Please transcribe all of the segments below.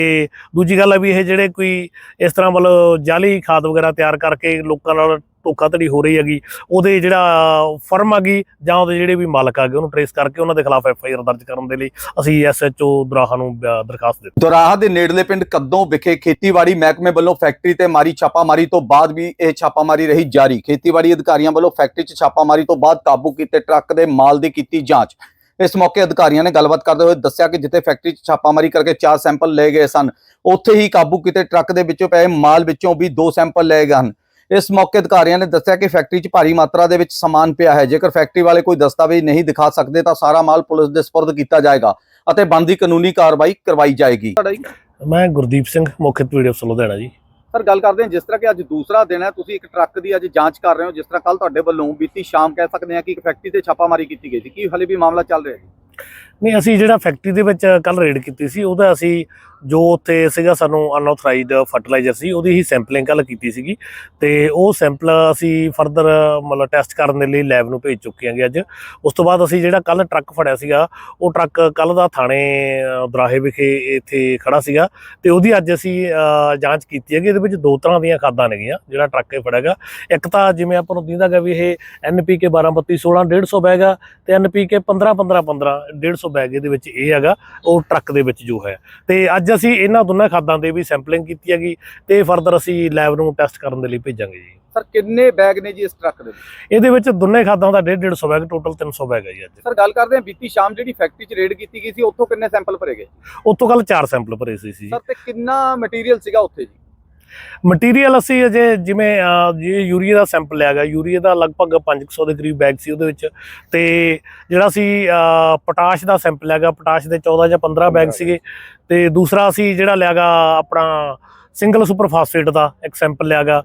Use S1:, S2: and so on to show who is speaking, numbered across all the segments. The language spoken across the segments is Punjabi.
S1: ਤੇ ਦੂਜੀ ਗੱਲ ਆ ਵੀ ਇਹ ਜਿਹੜੇ ਕੋਈ ਇਸ ਤਰ੍ਹਾਂ ਮਤਲਬ ਜਾਲੀ ਖਾਦ ਵਗੈਰਾ ਤਿਆਰ ਕਰਕੇ ਲੋਕਾਂ ਨਾਲ ਧੋਖਾਧੜੀ ਹੋ ਰਹੀ ਹੈਗੀ, ਉਹਦੇ ਜਿਹੜਾ ਫਰਮ ਹੈਗੀ ਜਾਂ ਉਹਦੇ ਜਿਹੜੇ ਵੀ ਮਾਲਕ ਹੈਗੇ ਉਹਨੂੰ ਟਰੇਸ ਕਰਕੇ ਉਹਨਾਂ ਦੇ ਖਿਲਾਫ FIR ਦਰਜ ਕਰਨ ਦੇ ਲਈ ਅਸੀਂ SHO ਦੋਰਾਹਾ ਨੂੰ ਦਰਖਾਸਤ ਦਿੱਤੀ।
S2: ਦੋਰਾਹਾ ਦੇ ਨੇੜਲੇ ਪਿੰਡ ਕੱਦੋਂ ਵਿਖੇ ਖੇਤੀਬਾੜੀ ਮਹਿਕਮੇ ਵੱਲੋਂ ਫੈਕਟਰੀ ਤੇ ਮਾਰੀ ਛਾਪਾਮਾਰੀ ਤੋਂ ਬਾਅਦ ਵੀ ਇਹ ਛਾਪਾਮਾਰੀ ਰਹੀ ਜਾਰੀ। ਖੇਤੀਬਾੜੀ ਅਧਿਕਾਰੀਆਂ ਵੱਲੋਂ ਫੈਕਟਰੀ 'ਚ ਛਾਪਾਮਾਰੀ ਤੋਂ ਬਾਅਦ ਕਾਬੂ ਕੀਤੇ ਟਰੱਕ ਦੇ ਮਾਲ ਦੀ ਕੀਤੀ ਜਾਂਚ। ਇਸ ਮੌਕੇ ਅਧਿਕਾਰੀਆਂ ਨੇ ਗੱਲਬਾਤ ਕਰਦੇ ਹੋਏ ਦੱਸਿਆ ਕਿ ਜਿੱਥੇ ਫੈਕਟਰੀ 'ਚ ਛਾਪਾਮਾਰੀ ਕਰਕੇ 4 ਸੈਂਪਲ ਲਏ ਗਏ ਸਨ, ਉੱਥੇ ਹੀ ਕਾਬੂ ਕੀਤੇ ਟਰੱਕ ਦੇ ਵਿੱਚੋਂ ਪਏ ਮਾਲ ਵਿੱਚੋਂ ਵੀ 2 ਸੈਂਪਲ ਲਏ ਗਏ ਹਨ। ਇਸ ਮੌਕੇ ਅਧਿਕਾਰੀਆਂ ਨੇ ਦੱਸਿਆ ਕਿ ਫੈਕਟਰੀ 'ਚ ਭਾਰੀ ਮਾਤਰਾ ਦੇ ਵਿੱਚ ਸਮਾਨ ਪਿਆ ਹੈ। ਜੇਕਰ ਫੈਕਟਰੀ ਵਾਲੇ ਕੋਈ ਦਸਤਾਵੇਜ਼ ਨਹੀਂ ਦਿਖਾ ਸਕਦੇ ਤਾਂ ਸਾਰਾ ਮਾਲ ਪੁਲਿਸ ਦੇ ਸਪੁਰਦ ਕੀਤਾ ਜਾਏਗਾ ਅਤੇ ਬਣਦੀ ਕਾਨੂੰਨੀ ਕਾਰਵਾਈ ਕਰਵਾਈ ਜਾਏਗੀ।
S1: ਮੈਂ ਗੁਰਦੀਪ ਸਿੰਘ, ਮੁੱਖ PDFC ਲੁਧਿਆਣਾ ਜੀ।
S2: ਸਰ, ਗੱਲ ਕਰਦੇ ਹਾਂ ਜਿਸ ਤਰ੍ਹਾਂ ਕਿ ਅੱਜ ਦੂਸਰਾ ਦਿਨ ਹੈ, ਤੁਸੀਂ ਇੱਕ ਟਰੱਕ ਦੀ ਅੱਜ ਜਾਂਚ ਕਰ ਰਹੇ ਹੋ। ਜਿਸ ਤਰ੍ਹਾਂ ਕੱਲ ਤੁਹਾਡੇ ਵੱਲੋਂ ਬੀਤੀ ਸ਼ਾਮ ਕਹਿ ਸਕਦੇ ਹਾਂ ਕਿ ਇੱਕ ਫੈਕਟਰੀ ਤੇ ਛਾਪਾਮਾਰੀ ਕੀਤੀ ਗਈ ਸੀ, ਕੀ ਹਾਲੇ ਵੀ ਮਾਮਲਾ ਚੱਲ ਰਿਹਾ ਹੈ?
S1: ਨਹੀਂ, ਅਸੀਂ ਜਿਹੜਾ ਫੈਕਟਰੀ ਦੇ ਵਿੱਚ ਕੱਲ ਰੇਡ ਕੀਤੀ ਸੀ ਉਹਦਾ ਅਸੀਂ ਜੋ ਉੱਥੇ ਸੀਗਾ ਸਾਨੂੰ ਅਨਆਥੋਰਾਈਜ਼ਡ ਫਰਟੀਲਾਈਜ਼ਰ ਸੀ ਉਹਦੀ ਹੀ ਸੈਂਪਲਿੰਗ ਕੱਲ ਕੀਤੀ ਸੀਗੀ ਤੇ ਉਹ ਸੈਂਪਲ ਅਸੀਂ ਫਰਦਰ ਮਤਲਬ ਟੈਸਟ ਕਰਨ ਦੇ ਲਈ ਲੈਬ ਨੂੰ ਭੇਜ ਚੁੱਕੇ ਹਾਂਗੇ ਅੱਜ। ਉਸ ਤੋਂ ਬਾਅਦ ਅਸੀਂ ਜਿਹੜਾ ਕੱਲ ਟਰੱਕ ਫੜਿਆ ਸੀਗਾ ਉਹ ਟਰੱਕ ਕੱਲ ਦਾ ਥਾਣੇ ਦੋਰਾਹੇ ਵਿਖੇ ਇੱਥੇ ਖੜਾ ਸੀਗਾ ਤੇ ਉਹਦੀ ਅੱਜ ਅਸੀਂ ਜਾਂਚ ਕੀਤੀ ਹੈਗੀ। ਇਹਦੇ ਵਿੱਚ 2 ਤਰ੍ਹਾਂ ਦੀਆਂ ਖਾਦਾਂ ਨੇਗੀਆਂ ਜਿਹੜਾ ਟਰੱਕ ਇਹ ਫੜਿਆਗਾ। ਇੱਕ ਤਾਂ ਜਿਵੇਂ ਆਪਾਂ ਨੂੰ ਦਿੰਦਾ ਗਾ ਵੀ ਇਹ NPK 12-32-16 150 ਬੈਗ ਆ ਤੇ NPK 15-15-15 150 ਬੈਗ ਇਹਦੇ ਵਿੱਚ ਇਹ ਹੈਗਾ ਉਹ ਟਰੱਕ ਦੇ ਵਿੱਚ ਜੋ ਹੈ। ਤੇ ਅੱਜ ਅਸੀਂ ਇਹਨਾਂ ਦੋਨਾਂ ਖਾਦਾਂ ਦੇ ਵੀ ਸੈਂਪਲਿੰਗ ਕੀਤੀ ਹੈਗੀ ਤੇ ਫਰਦਰ ਅਸੀਂ ਲੈਬ ਨੂੰ ਟੈਸਟ ਕਰਨ ਦੇ ਲਈ ਭੇਜਾਂਗੇ ਜੀ।
S2: ਸਰ, ਕਿੰਨੇ ਬੈਗ ਨੇ ਜੀ ਇਸ ਟਰੱਕ ਦੇ ਵਿੱਚ?
S1: ਇਹਦੇ ਵਿੱਚ ਦੋਨੇ ਖਾਦਾਂ ਦਾ 150 ਬੈਗ, ਟੋਟਲ 300 ਬੈਗ ਹੈ ਜੀ ਅੱਜ।
S2: ਸਰ, ਗੱਲ ਕਰਦੇ ਹਾਂ ਬੀਤੀ ਸ਼ਾਮ ਜਿਹੜੀ ਫੈਕਟਰੀ 'ਚ ਰੇਡ ਕੀਤੀ ਗਈ ਸੀ ਉੱਥੋਂ ਕਿੰਨੇ ਸੈਂਪਲ ਭਰੇ ਗਏ?
S1: ਉੱਥੋਂ ਕੱਲ 4 ਸੈਂਪਲ ਭਰੇ ਸੀ।
S2: ਸਰ, ਤੇ ਕਿੰਨਾ ਮਟੀਰੀਅਲ ਸੀਗਾ ਉੱਥੇ ਜੀ?
S1: ਮਟੀਰੀਅਲ ਅਸੀਂ ਅਜੇ ਜਿਵੇਂ ਯੂਰੀਆ ਦਾ ਸੈਂਪਲ ਲਿਆ ਗਿਆ, ਯੂਰੀਆ ਦਾ ਲਗਭਗ 500 ਦੇ ਕਰੀਬ ਬੈਗ ਸੀ ਉਹਦੇ ਵਿੱਚ। ਤੇ ਜਿਹੜਾ ਅਸੀਂ ਪੋਟਾਸ਼ ਦਾ ਸੈਂਪਲ ਲਿਆ ਗਿਆ, ਪੋਟਾਸ਼ ਦੇ 14 ਜਾਂ 15 ਬੈਗ ਸੀਗੇ। ਤੇ ਦੂਸਰਾ ਅਸੀਂ ਜਿਹੜਾ ਲਿਆ ਗਾ ਆਪਣਾ ਸਿੰਗਲ ਸੁਪਰ ਫਾਸਫੇਟ ਦਾ ਇੱਕ ਸੈਂਪਲ ਲਿਆ ਗਾ,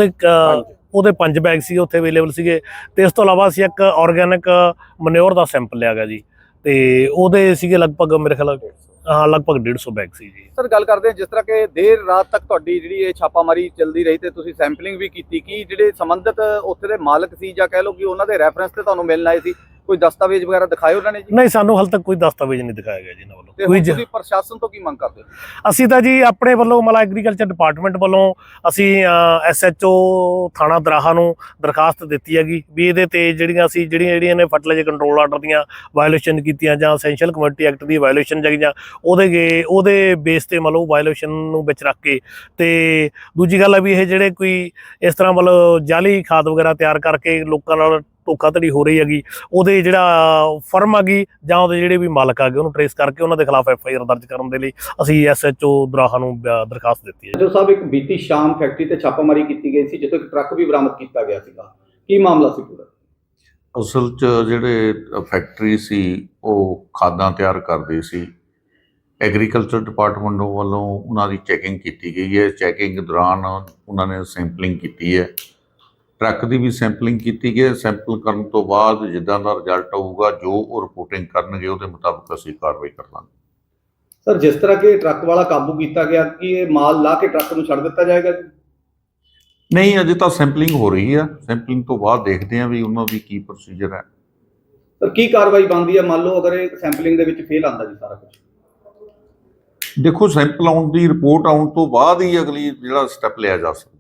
S1: ਉਹਦੇ 5 ਬੈਗ ਸੀ ਉੱਥੇ ਅਵੇਲੇਬਲ ਸੀਗੇ। ਤੇ ਇਸ ਤੋਂ ਇਲਾਵਾ ਅਸੀਂ ਇੱਕ ਆਰਗੈਨਿਕ ਮਨਿਓਰ ਦਾ ਸੈਂਪਲ ਲਿਆ ਗਾ ਜੀ ਤੇ ਉਹਦੇ ਸੀਗੇ ਲਗਭਗ ਮੇਰੇ ਖਿਆਲ ਲਗਭਗ 150 ਬੈਗ ਸੀ ਜੀ।
S2: ਸਰ, ਗੱਲ ਕਰਦੇ ਹਾਂ ਜਿਸ ਤਰ੍ਹਾਂ ਕਿ ਦੇਰ ਰਾਤ ਤੱਕ ਤੁਹਾਡੀ ਜਿਹੜੀ ਇਹ ਛਾਪਾਮਾਰੀ ਚੱਲਦੀ ਰਹੀ ਤੇ ਤੁਸੀਂ ਸੈਂਪਲਿੰਗ ਵੀ ਕੀਤੀ, ਕਿ ਜਿਹੜੇ ਸੰਬੰਧਿਤ ਉੱਥੇ ਦੇ ਮਾਲਕ ਸੀ ਜਾਂ ਕਹਿ ਲਓ ਕਿ ਉਹਨਾਂ ਦੇ ਰੈਫਰੈਂਸ ਤੇ ਤੁਹਾਨੂੰ ਮਿਲਣ ਆਏ ਸੀ, ਕੋਈ ਦਸਤਾਵੇਜ਼ ਵਗੈਰਾ ਦਿਖਾਏ ਉਹਨਾਂ ਨੇ ਜੀ?
S1: ਨਹੀਂ, ਸਾਨੂੰ ਹਾਲੇ ਤੱਕ ਕੋਈ ਦਸਤਾਵੇਜ਼ ਨਹੀਂ ਦਿਖਾਇਆ ਗਿਆ ਜੀ ਇਹਨਾਂ ਵੱਲੋਂ।
S2: ਤੁਸੀਂ ਪ੍ਰਸ਼ਾਸਨ ਤੋਂ ਕੀ ਮੰਗ ਕਰਦੇ ਹੋ?
S1: ਅਸੀਂ ਤਾਂ ਜੀ ਆਪਣੇ ਵੱਲੋਂ ਮਤਲਬ ਐਗਰੀਕਲਚਰ ਡਿਪਾਰਟਮੈਂਟ ਵੱਲੋਂ ਅਸੀਂ SHO ਥਾਣਾ ਦੋਰਾਹਾ ਨੂੰ ਦਰਖਾਸਤ ਦਿੱਤੀ ਹੈਗੀ ਵੀ ਇਹਦੇ ਤੇ ਜਿਹੜੀਆਂ ਨੇ ਫਰਟੀਲਾਈਜ਼ਰ ਕੰਟਰੋਲ ਆਰਡਰ ਦੀਆਂ ਵਾਇਓਲੇਸ਼ਨ ਕੀਤੀਆਂ ਜਾਂ ਐਸੈਂਸ਼ੀਅਲ ਕਮੋਡਿਟੀ ਐਕਟ ਦੀ ਵਾਇਓਲੇਸ਼ਨ ਜਾਂ ਉਹਦੇ ਬੇਸ ਤੇ ਮਤਲਬ ਵਾਇਓਲੇਸ਼ਨ ਨੂੰ ਵਿੱਚ ਰੱਖ ਕੇ। ਤੇ ਦੂਜੀ ਗੱਲ ਆ ਵੀ ਇਹ ਜਿਹੜੇ ਕੋਈ ਇਸ ਤਰ੍ਹਾਂ ਮਤਲਬ ਜਾਲੀ ਖਾਦ ਵਗੈਰਾ ਤਿਆਰ ਕਰਕੇ ਲੋਕਾਂ ਨਾਲ ਧੋਖਾਧੜੀ ਹੋ ਰਹੀ ਹੈਗੀ, ਉਹਦੇ ਜਿਹੜਾ ਫਰਮ ਹੈਗੀ ਜਾਂ ਉਹਦੇ ਜਿਹੜੇ ਵੀ ਮਾਲਕ ਹੈਗੇ ਉਹਨੂੰ ਟਰੇਸ ਕਰਕੇ ਉਹਨਾਂ ਦੇ ਖਿਲਾਫ FIR ਦਰਜ ਕਰਨ ਦੇ ਲਈ ਅਸੀਂ SHO ਦੋਰਾਹਾ ਨੂੰ ਦਰਖਾਸਤ ਦਿੱਤੀ ਹੈ।
S2: ਜੋ ਸਾਹਿਬ, ਇੱਕ ਬੀਤੀ ਸ਼ਾਮ ਫੈਕਟਰੀ ਤੇ ਛਾਪਾਮਾਰੀ ਕੀਤੀ ਗਈ ਸੀ ਜਿੱਥੇ ਇੱਕ ਟਰੱਕ ਵੀ ਬਰਾਮਦ ਕੀਤਾ ਗਿਆ ਸੀਗਾ, ਕੀ ਮਾਮਲਾ ਸੀ ਪੂਰਾ?
S3: ਅਸਲ 'ਚ ਜਿਹੜੇ ਫੈਕਟਰੀ ਸੀ ਉਹ ਖਾਦਾਂ ਤਿਆਰ ਕਰਦੀ ਸੀ। ਐਗਰੀਕਲਚਰ ਡਿਪਾਰਟਮੈਂਟ ਵੱਲੋਂ ਉਹਨਾਂ ਦੀ ਚੈਕਿੰਗ ਕੀਤੀ ਗਈ ਹੈ। ਚੈਕਿੰਗ ਦੌਰਾਨ ਉਹਨਾਂ ਨੇ ਸੈਂਪਲਿੰਗ ਕੀਤੀ ਹੈ, ਟਰੱਕ ਦੀ ਵੀ ਸੈਂਪਲਿੰਗ ਕੀਤੀ ਗਈ। ਸੈਂਪਲ ਕਰਨ ਤੋਂ ਬਾਅਦ ਜਿੱਦਾਂ ਦਾ ਰਿਜ਼ਲਟ ਆਊਗਾ, ਜੋ ਉਹ ਰਿਪੋਰਟਿੰਗ ਕਰਨਗੇ ਉਹਦੇ ਮੁਤਾਬਕ ਅਸੀਂ ਕਾਰਵਾਈ ਕਰਾਂਗੇ।
S2: ਸਰ, ਜਿਸ ਤਰ੍ਹਾਂ ਕਿ ਟਰੱਕ ਵਾਲਾ ਕਾਬੂ ਕੀਤਾ ਗਿਆ, ਕਿ ਇਹ ਮਾਲ ਲਾ ਕੇ ਟਰੱਕ ਨੂੰ ਛੱਡ ਦਿੱਤਾ ਜਾਏਗਾ?
S3: ਨਹੀਂ, ਅਜੇ ਤਾਂ ਸੈਂਪਲਿੰਗ ਹੋ ਰਹੀ ਹੈ। ਸੈਂਪਲਿੰਗ ਤੋਂ ਬਾਅਦ ਦੇਖਦੇ ਹਾਂ ਵੀ ਉਹਨਾਂ ਦੀ ਕੀ ਪ੍ਰੋਸੀਜਰ ਹੈ।
S2: ਸਰ, ਕੀ ਕਾਰਵਾਈ ਬਣਦੀ ਹੈ ਮੰਨ ਲਓ ਅਗਰ ਇਹ ਸੈਂਪਲਿੰਗ ਦੇ ਵਿੱਚ ਫੇਲ ਆਉਂਦਾ ਜੀ ਸਾਰਾ ਕੁਝ?
S3: ਦੇਖੋ, ਸੈਂਪਲ ਆਉਣ ਦੀ ਰਿਪੋਰਟ ਆਉਣ ਤੋਂ ਬਾਅਦ ਹੀ ਅਗਲੀ ਜਿਹੜਾ ਸਟੈਪ ਲਿਆ ਜਾ ਸਕਦਾ।